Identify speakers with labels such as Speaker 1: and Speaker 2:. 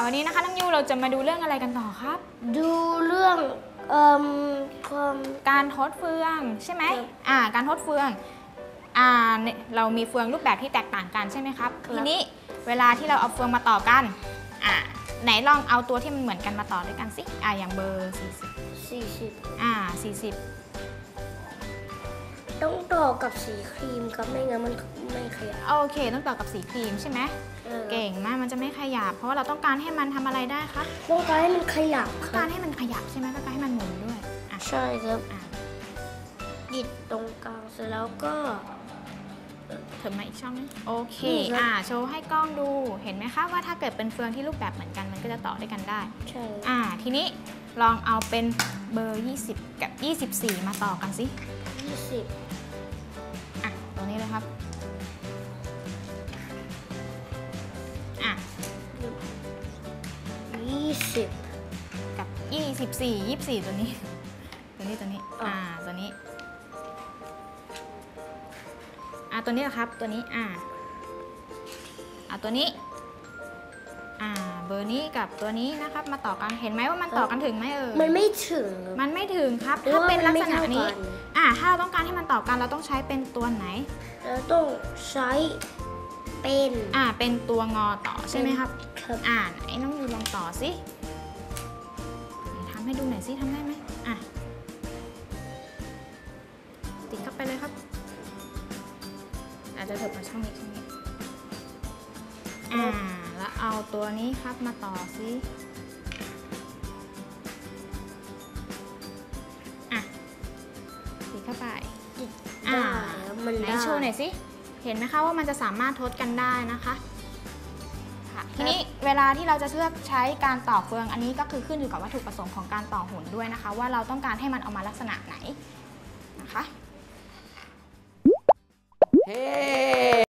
Speaker 1: วันนี้นะคะน้องยูเราจะมาดูเรื่องอะไรกันต่อครับ
Speaker 2: ดูเรื่องความ
Speaker 1: การทดเฟืองใช่ไหมการทดเฟืองเรามีเฟืองรูปแบบที่แตกต่างกันใช่ไหมครับทีนี้เวลาที่เราเอาเฟืองมาต่อกันไหนลองเอาตัวที่มันเหมือนกันมาต่อด้วยกันสิอย่างเบอร์40
Speaker 2: ต้องต่อกับสีครีมครับไม่งั้นมันไม่ขยับ
Speaker 1: โอเคต้องต่อกับสีครีมใช่ไหมเก่งมากมันจะไม่ขยับเพราะว่าเราต้องการให้มันทำอะไรได้คะ
Speaker 2: ต้องการให้มันขยับ
Speaker 1: ต้องการให้มันขยับใช่ไหมต้องการให้มันหมุนด้วย
Speaker 2: ใช่ครับดิดตรงกลางเสร็จแล้วก็
Speaker 1: เถิบมาอีกช่องนึงโอเคโชว์ให้กล้องดูเห็นไหมคะว่าถ้าเกิดเป็นเฟืองที่รูปแบบเหมือนกันมันก็จะต่อด้วยกันได้
Speaker 2: ใช่
Speaker 1: ทีนี้ลองเอาเป็นเบอร์20กับ24มาต่อกันสิ
Speaker 2: 20
Speaker 1: ตรงนี้เลยครับ
Speaker 2: 20
Speaker 1: กับ24ตัวนี้ตัวนี้ตัวนี้ตัวนี้แหละครับตัวนี้ตัวนี้เบอร์นี้กับตัวนี้นะครับมาต่อกันเห็นไหมว่ามันต่อกันถึงไหม
Speaker 2: มันไม่ถึง
Speaker 1: ครับถ้าเป็นลักษณะนี้ถ้าเราต้องการให้มันต่อกันเราต้องใช้เป็นตัวไหน
Speaker 2: เราต้องใช้
Speaker 1: เป็นตัวงอต่อใช่ไหมครับไหนน้องยูลองต่อสิทำให้ดูหน่อยสิทำได้ไหมติดเข้าไปเลยครับอาจจะเถิบมาช่องนี้แล้วเอาตัวนี้ครับมาต่อสิติดเข้าไปไหนโชว์หน่อยสิเห็นไหมคะว่ามันจะสามารถทดกันได้นะคะทีนี้เวลาที่เราจะเลือกใช้การต่อเฟืองอันนี้ก็คือขึ้นอยู่กับวัตถุประสงค์ของการต่อหุ่นด้วยนะคะว่าเราต้องการให้มันออกมาลักษณะไหนนะคะ